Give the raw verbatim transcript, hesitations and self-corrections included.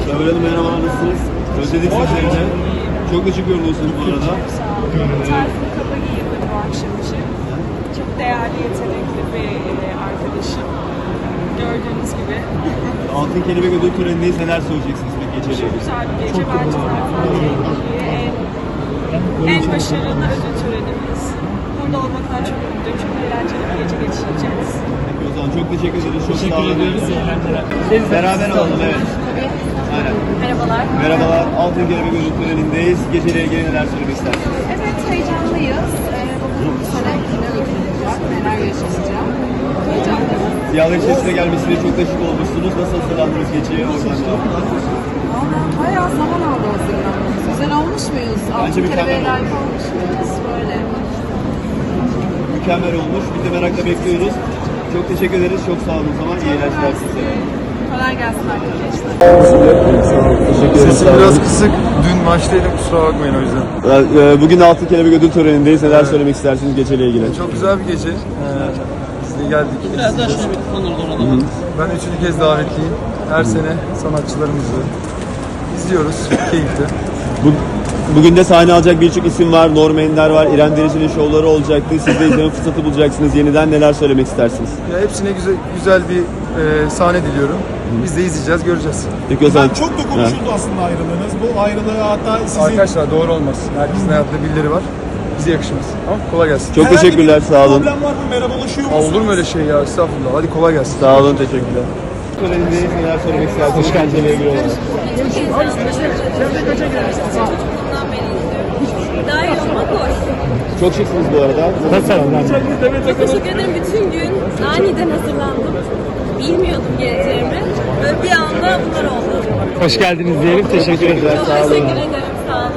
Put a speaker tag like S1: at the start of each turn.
S1: Ömer Hanım merhaba, nasılsınız? Özledik sizleri de. Çok da şık görünüyorsunuz bu arada.
S2: Tarzını kaba giyindim bu akşam için. Çok değerli, yetenekli bir e, arkadaşım. Gördüğünüz gibi.
S1: Altın Kelebek Ödül Töreni'ndeyiz. Neler söyleyeceksiniz peki geceliğe?
S2: Çok güzel bir gece. Bence zaten en, en başarılı ödül törenimiz. Burada olmaktan çok mutluyum. Çok eğlenceli bir gece geçireceğiz.
S1: Peki o zaman çok teşekkür ederiz. Çok sağ olun. Beraber olalım, evet. Aynen.
S2: Merhabalar.
S1: Merhabalar. Altın Kelebek Ödül Töreni'ndeyiz. Geceliğe ilgili neler söylemek istersiniz?
S3: Evet, heyecanlıyız. Ee, bu sene yine ödül olacak. Neler yaşayacağım. Heyecanlıyız.
S1: Siyahlar içerisine gelmesiyle çok da şık olmuşsunuz. Nasıl hazırlandınız geceye? Oradan devam.
S3: Valla bayağı zaman aldı hazırlanmamız. Güzel olmuş muyuz? Altın
S1: mükemmel
S3: kelebeğe
S1: olmuş.
S3: layık olmuş muyuz? Böyle.
S1: Mükemmel olmuş. Biz de merakla bekliyoruz. Çok teşekkür ederiz. Çok sağ olun o zaman. İyi eğlenceler size.
S3: Kolay gelsin arkadaşlar.
S4: Sesim biraz kısık. Dün maçtaydım, kusura bakmayın o yüzden.
S1: Bugün Altın Kelebek Ödül Töreni'ndeyiz. Neler söylemek istersiniz geceyle ilgili?
S4: Çok güzel bir gece. Ee, biz de geldik.
S5: Biraz daha şöyle bir konuda olalım.
S4: Ben üçüncü kez davetliyim. Her sene sanatçılarımızı izliyoruz. Keyifli.
S1: Bu, bugün de sahne alacak birçok isim var. Norm Ender var. İrem Derici'nin şovları olacaktı. Siz de izleme fırsatı bulacaksınız. Yeniden neler söylemek istersiniz?
S4: Ya hepsine güzel güzel bir e, sahne diliyorum. Biz de izleyeceğiz, göreceğiz.
S1: Peki o zaman...
S6: Çok da konuşuldu aslında ayrılığınız. Bu ayrılığı hatta sizin...
S4: Arkadaşlar doğru olmaz. Herkesin hayatta birileri var. Bize yakışmaz. Tamam, kolay gelsin.
S1: Çok
S6: Herhangi
S1: teşekkürler.
S6: bir
S1: Sağ olun.
S6: problem var mı? Merhabalaşıyor
S4: Aa,
S6: musunuz?
S4: olur mu öyle şey ya? Estağfurullah. Hadi kolay gelsin.
S1: Sağ olun. Teşekkürler. Törenindeyiz. Neler söylemek istersiniz? Hoş geldiniz. ilgili olarak.
S7: Daha iyi olmak hoş.
S1: Çok şıksınız bu arada. Nasıl?
S7: Çok teşekkür ederim. Bütün gün aniden hazırlandım. Bilmiyordum geleceğimi. Böyle bir anda bunlar oldu.
S5: Hoş geldiniz diyelim. Teşekkür ederim.
S1: Teşekkürler.
S7: Çok
S1: Sağ olun.
S7: teşekkür ederim. Sağ olun.